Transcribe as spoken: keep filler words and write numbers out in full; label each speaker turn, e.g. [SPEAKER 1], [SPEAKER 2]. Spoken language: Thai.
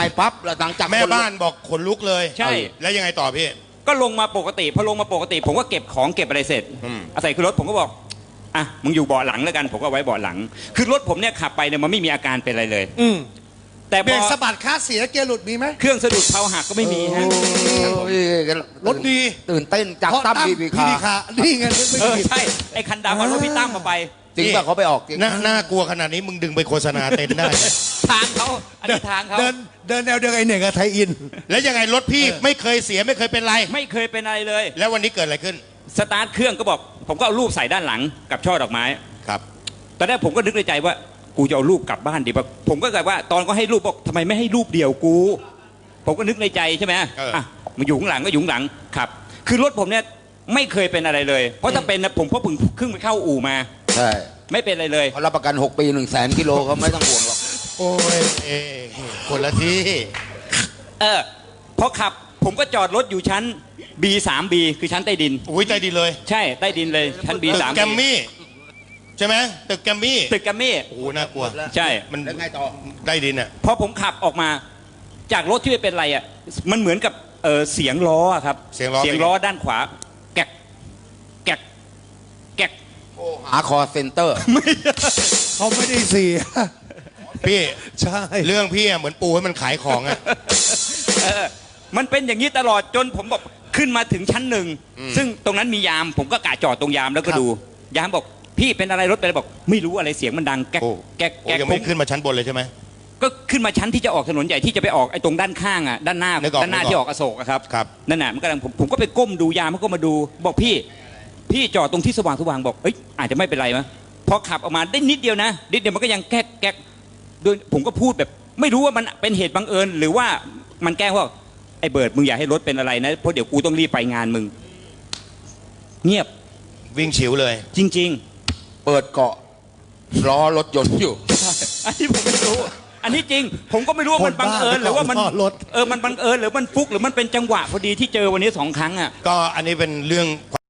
[SPEAKER 1] ไอ้ปั๊บแล้วหลังจาก
[SPEAKER 2] แม่บ้านบอกขนลุกเลย
[SPEAKER 3] ใช่
[SPEAKER 2] แล้วยังไงต่อพี่
[SPEAKER 3] ก็ลงมาปกติพอลงมาปกติผมก็เก็บของเก็บอะไรเสร็จอาศัยคือรถผมก็บอกอ่ะมึงอยู่เบาะหลังแล้วกันผมก็ไว้เบาะหลังคือรถผมเนี่ยขับไปเนี่ยมันไม่มีอาการเป็นอะไรเลย
[SPEAKER 4] อืม
[SPEAKER 3] แต่
[SPEAKER 4] เบรกสะบัดคาเสียเกียร์หลุดมีไหม
[SPEAKER 3] เครื่องสะดุดเพลาหักก็ไม่มีฮะ
[SPEAKER 4] รถดี
[SPEAKER 1] ตื่นเต้นจากตั้มพีพีคา
[SPEAKER 4] นี่ไง
[SPEAKER 3] เออใช่ไอ้คันดำมันรถพี่ตั้มมาไป
[SPEAKER 1] จริงป่ะเขาไปออก
[SPEAKER 2] น่าน่ากลัวขนาดนี้มึงดึงไปโฆษณาเต็นได้
[SPEAKER 3] ทางเขาอันนี้ทางเขา
[SPEAKER 4] เดินเดินแนวเดียวไอ้เหน่งกับไทยอิน
[SPEAKER 2] แล้วยังไงรถพี่ไม่เคยเสียไม่เคยเป็นไร
[SPEAKER 3] ไม่เคยเป็นอะไรเลย
[SPEAKER 2] แล้ววันนี้เกิดอะไรขึ้น
[SPEAKER 3] สตาร์ทเครื่องก็บอกผมก็เอารูปใส่ด้านหลังกับช่อดอกไม้
[SPEAKER 2] ครับ
[SPEAKER 3] ตอนแรกผมก็นึกในใจว่ากูจะเอารูปกลับบ้านดีป่ะผมก็แบบว่าตอนก็ให้รูปบอกทำไมไม่ให้รูปเดียวกูผมก็นึกในใจใช่ไหมอ่ะมาอยู่ข้างหลังก็อยู่ข้างหลังครับคือรถผมเนี่ยไม่เคยเป็นอะไรเลยเพราะถ้าเป็นนะผมก็เพิ่งขึ้นไปเข้าอู่มา
[SPEAKER 1] ใช่
[SPEAKER 3] ไม่เป็นอะไรเลย
[SPEAKER 1] เขารับประกันหกปีหนึ่งแสนกิโลเขาไม่ต้องห่วงหรอก
[SPEAKER 2] โอ้ยเอคนละที่
[SPEAKER 3] เออพอขับผมก็จอดรถอยู่ชั้น บี สาม บี คือชั้นใต้ดิน
[SPEAKER 2] อุ้ยใต้ดินเลย
[SPEAKER 3] ใช่ใต้ดินเลยชั้น บี สาม
[SPEAKER 2] แกมมี่ใช่ไหมตึกแกมมี่
[SPEAKER 3] ตึกแกมมี่
[SPEAKER 2] โอ้น่ากลัว
[SPEAKER 3] ใช่
[SPEAKER 2] มันไงต่อใต้ดินอ่ะ
[SPEAKER 3] พอผมขับออกมาจากรถที่ไม่เป็นไรอ่ะมันเหมือนกับเออเสียงล้อครับ
[SPEAKER 2] เสียงล้อ
[SPEAKER 3] เสียงล้อด้านขวาแกกแกกแกก
[SPEAKER 1] หาคอเซ็นเตอร์
[SPEAKER 4] เขาไม่ได้เสีย
[SPEAKER 2] พี่
[SPEAKER 4] ใช่
[SPEAKER 2] เรื่องพี่เหมือนปูให้มันขายของอ่ะ
[SPEAKER 3] มันเป็นอย่างนี้ตลอดจนผมบอกขึ้นมาถึงชั้นหนึ่งซึ่งตรงนั้นมียามผมก็กะจอดตรงยามแล้วก็ดูยามบอกพี่เป็นอะไรรถเป็นอะไรบอกไม่รู้อะไรเสียงมันดังแก๊กแก๊ก
[SPEAKER 2] แก๊กยังไม่ขึ้นมาชั้นบนเลยใช่ไหม
[SPEAKER 3] ก็ขึ้นมาชั้นที่จะออกถนนใหญ่ที่จะไปออกไอ้ตรงด้านข้างอ่ะด้านหน้าด้านหน้าที่ออกอโศกครับ
[SPEAKER 2] ครับ
[SPEAKER 3] นั่นน่ะมันกำลังผมผมก็ไปก้มดูยามมันก็มาดูบอกพี่พี่จอดตรงที่สว่างสว่างบอกเอ้ยอาจจะไม่เป็นไรมั้ยพอขับออกมาได้นิดเดียวนะนิดเดียวมันก็ยังแก๊กแก๊กโดยผมก็พูดแบบไม่รู้ว่ามันเป็นเหตุบังเอิญหรือว่ามันแกล้งว่าไอ้เบิร์ดมึงอย่าให้รถเป็นอะไรนะเพราะเดี๋ยวกูต้องรีบไปงานมึงเงียบ
[SPEAKER 2] วิ่งฉิวเลย
[SPEAKER 3] จริง
[SPEAKER 1] ๆเปิดเกาะล้อรถยนต์อยู่
[SPEAKER 3] อันนี้ผมไม่รู้อันนี้จริงผมก็ไม่รู้ว่ามันบังเอิญหรือว่ามันเออมันบังเอิญหรือมันฟุกหรือมันเป็นจังหวะพอดีที่เจอวันนี้สองครั้งอ่ะ
[SPEAKER 2] ก็อันนี้เป็นเรื่อง